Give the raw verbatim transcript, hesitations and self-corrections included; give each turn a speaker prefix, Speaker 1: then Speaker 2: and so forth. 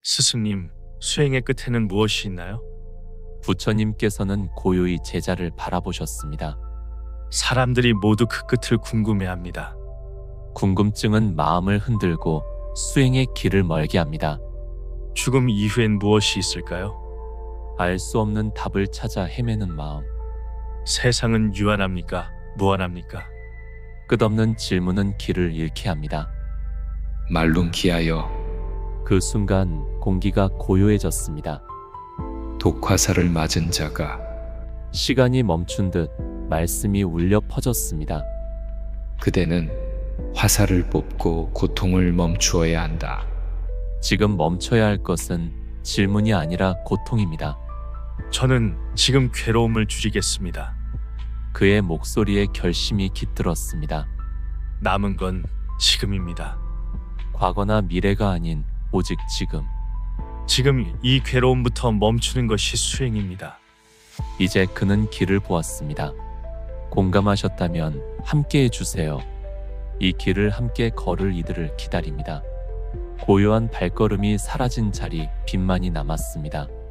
Speaker 1: 스승님, 수행의 끝에는 무엇이 있나요?
Speaker 2: 부처님께서는 고요히 제자를 바라보셨습니다.
Speaker 1: 사람들이 모두 그 끝을 궁금해합니다.
Speaker 2: 궁금증은 마음을 흔들고 수행의 길을 멀게 합니다.
Speaker 1: 죽음 이후엔 무엇이 있을까요?
Speaker 2: 알 수 없는 답을 찾아 헤매는 마음.
Speaker 1: 세상은 유한합니까? 무한합니까?
Speaker 2: 끝없는 질문은 길을 잃게 합니다.
Speaker 3: 말룬키하여
Speaker 2: 그 순간 공기가 고요해졌습니다.
Speaker 3: 독화살을 맞은 자가
Speaker 2: 시간이 멈춘 듯 말씀이 울려 퍼졌습니다.
Speaker 3: 그대는 화살을 뽑고 고통을 멈추어야 한다.
Speaker 2: 지금 멈춰야 할 것은 질문이 아니라 고통입니다.
Speaker 1: 저는 지금 괴로움을 줄이겠습니다.
Speaker 2: 그의 목소리에 결심이 깃들었습니다.
Speaker 1: 남은 건 지금입니다.
Speaker 2: 과거나 미래가 아닌 오직 지금.
Speaker 1: 지금 이 괴로움부터 멈추는 것이 수행입니다.
Speaker 2: 이제 그는 길을 보았습니다. 공감하셨다면 함께 해주세요. 이 길을 함께 걸을 이들을 기다립니다. 고요한 발걸음이 사라진 자리, 빛만이 남았습니다.